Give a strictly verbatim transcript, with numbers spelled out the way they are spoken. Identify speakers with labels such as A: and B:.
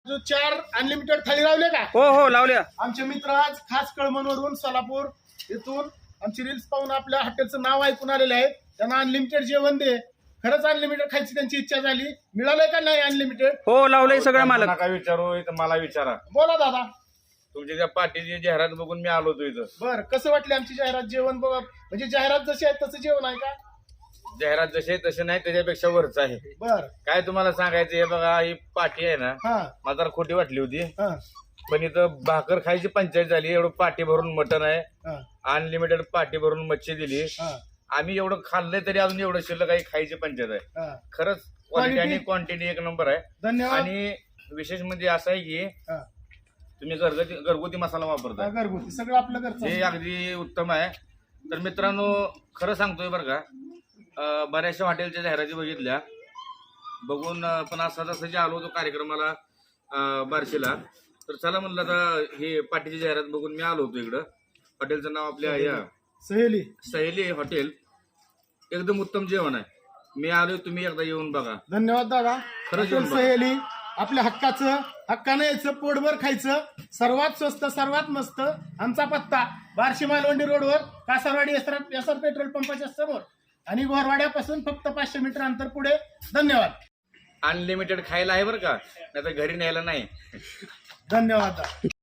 A: चार अनलिमिटेड थाळी लावले का?
B: हो हो लावल्या.
A: आमचे मित्र आज खास कळमनवरून सोलापूर इथून आमची रील्स पाहून आपल्या हॉटेलचं नाव ऐकून आलेले आहेत. त्यांना अनलिमिटेड जेवण दे. खरंच अनलिमिटेड खायची त्यांची इच्छा झाली. मिळालंय का नाही अनलिमिटेड?
B: हो लावलंय सगळं मालक.
C: नका विचारू, इथं मला विचारा.
A: बोला दादा.
C: तुमच्या त्या पाठीची जाहिरात बघून मी आलो होतो इथं.
A: बर, कसं वाटली आमची जाहिरात? जेवण बघा, म्हणजे जाहिरात जशी आहे तसं जेवण आहे का?
C: जाहिरात जसे तसे नाही, त्याच्यापेक्षा वरच आहे.
A: बर,
C: काय तुम्हाला सांगायचं, हे बघा ही पाठी आहे ना,
A: हा
C: मला जरा खोटी वाटली होती,
A: हा
C: पण इथं भाकर खायची पंचायत झाली. एवढं पाठी भरून मटण आहे,
A: हा
C: अनलिमिटेड पाठी भरून मच्छी दिली.
A: हा
C: आम्ही एवढं खाल्लंय तरी अजून एवढं शिल्लक काही खायची पंचायत आहे.
A: हा.
C: खरंच क्वालिटी आणि
A: Quality.
C: क्वांटिटी एक नंबर आहे.
A: धन्यवाद.
C: आणि विशेष म्हणजे असं आहे की
A: हा.
C: तुम्ही घरगुती घरगुती मसाला
A: हा,
C: वापरताय,
A: घरगुती सगळं आपलं घरचं
C: हे
A: असतं.
C: अगदी उत्तम आहे. तर मित्रांनो, खरं सांगतोय बरं का, अं, बऱ्याचशा हॉटेलच्या जाहिराती बघितल्या बघून, अं, पण असा तसं जे आलो होतो कार्यक्रमाला अं, बार्शीला, तर चला म्हणलं आता हे पाठीची जाहिरात बघून मी आलो होतो इकडं. हॉटेलचं नाव आपल्या या
A: सहेली
C: सहेली हॉटेल. एकदम उत्तम जेवण आहे. मी आलोय, तुम्ही एकदा येऊन बघा.
A: धन्यवाद दादा.
C: खरंच
A: हॉटेल
C: जेवण बघा.
A: सहेली आपल्या हक्काचं, हक्कानं यायचं, पोटभर खायचं, सर्वात स्वस्त सर्वात मस्त. आमचा पत्ता बार्शी मालवंडी रोडवर कासारवाडी एसआर एसआर पेट्रोल पंपाच्या समोर आणि गोरवाड्यापासून फक्त पाचशे मीटर अंतर पुढे. धन्यवाद.
C: अनलिमिटेड खायला आहे बरं का, नाही तर घरी न्यायला नाही.
A: धन्यवाद.